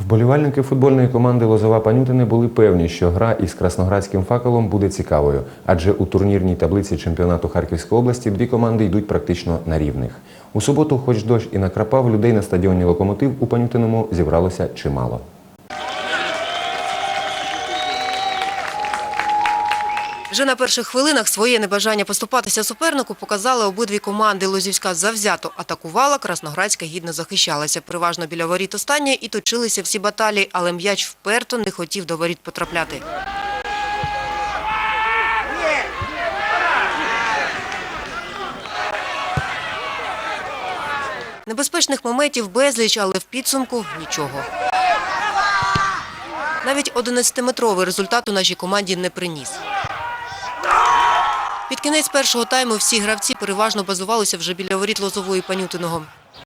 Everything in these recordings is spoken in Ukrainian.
Вболівальники футбольної команди «Лозова Панютине» були певні, що гра із красноградським «Факелом» буде цікавою, адже у турнірній таблиці чемпіонату Харківської області дві команди йдуть практично на рівних. У суботу, хоч дощ і накрапав, людей на стадіоні «Локомотив» у Панютиному зібралося чимало. Вже на перших хвилинах своє небажання поступатися супернику показали обидві команди. Лозівська завзято атакувала, красноградська гідно захищалася. Переважно біля воріт останньої і точилися всі баталії, але м'яч вперто не хотів до воріт потрапляти. Небезпечних моментів безліч, але в підсумку нічого. Навіть 11-метровий результат у нашій команді не приніс. Під кінець першого тайму всі гравці переважно базувалися вже біля воріт Лозової Панютиного.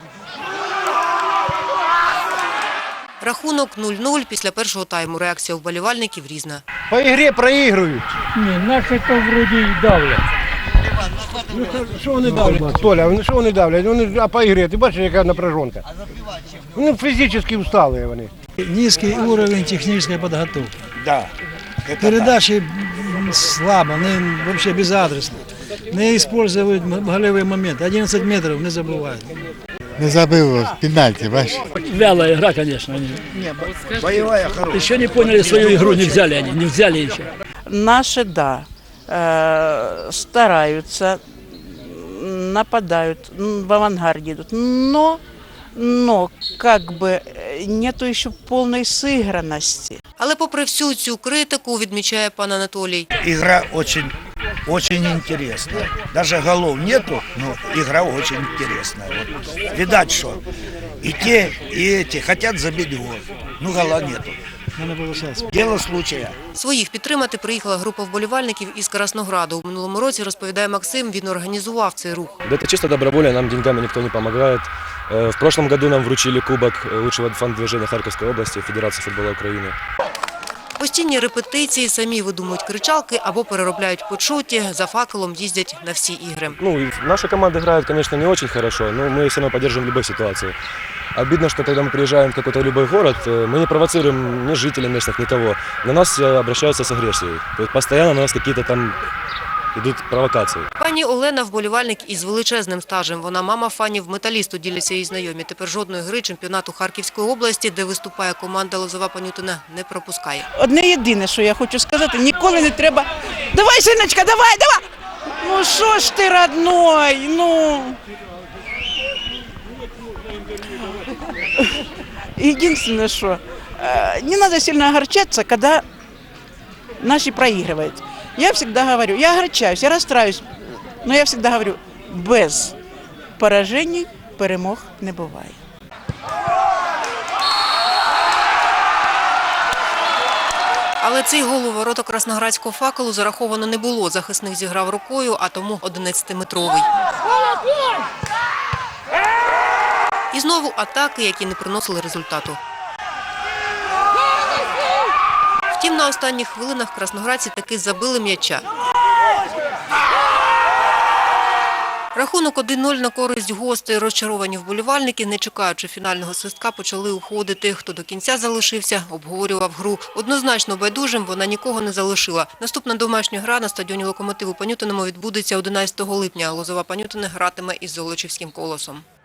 Рахунок 0-0 після першого тайму. Реакція вболівальників різна. По ігрі проігрують. Ні, наші то вроді й давлять. Ну, що вони давлять? Толя, що вони давлять? А по ігрі, ти бачиш, яка напряжонка? Вони фізично устали вони. Низький рівень технічної підготовки. Да. Передачі слабо, вони взагалі безадресні. Не використовують голевий момент. 11 метрів не забувають. Не забыл пенальти, бачишь? Вялая игра, конечно. Боевая хорошая. Еще не поняли свою игру, не взяли они, не взяли еще. Наши, да, стараются, нападают, в авангарде идут, но как бы нету еще полной сыгранности. Але попри всю цю критику, відмічає пан Анатолій, игра очень интересная. Даже голов нету, но игра очень интересная. Вот. Видать, что и те, и эти хотят забить гол. Ну, гола нету. Дело случая. своїх підтримати приїхала група вболівальників із Краснограду. У минулому році, розповідає Максим, він організував цей рух. Это чисто добровольно, нам деньгами никто не помогает. В прошлом году нам вручили кубок лучшего фан-движения Харьковской области, Федерации футбола Украины. Постійні репетиції, самі видумують кричалки або переробляють почуті, за «Факелом» їздять на всі ігри. Наша команда играет, конечно, не очень хорошо, но мы все равно поддерживаем любой ситуации. Обидно, что когда мы приезжаем в какой-то любой город, мы не провоцируем ни жителей местных, ни кого. На нас обращаются с агрессией. То есть постоянно на нас какие-то там йдуть провокації. Пані Олена – вболівальник із величезним стажем. Вона мама фанів «Металісту», діляться її знайомі. Тепер жодної гри чемпіонату Харківської області, де виступає команда «Лозова Панютине», не пропускає. Одне єдине, що я хочу сказати, ніколи не треба. Давай, синочка, давай! Ну що ж ти, родной, ну. Единственное, что не надо сильно огорчаться, когда наши проигрывают. Я всегда говорю, я огорчаюсь, я расстраиваюсь, но я всегда говорю, без поражений перемог не буває. Але цей гол у ворота красноградського «Факелу» зараховано не було. Захисник зіграв рукою, а тому 11-метровий. І знову атаки, які не приносили результату. Втім, на останніх хвилинах красноградці таки забили м'яча. Рахунок 1-0 на користь гостей. Розчаровані вболівальники, не чекаючи фінального свистка, почали уходити. Хто до кінця залишився, обговорював гру. Однозначно байдужим вона нікого не залишила. Наступна домашня гра на стадіоні «Локомотив» у Панютиному відбудеться 11 липня. «Лозова Панютине» гратиме із Золочівським «Колосом».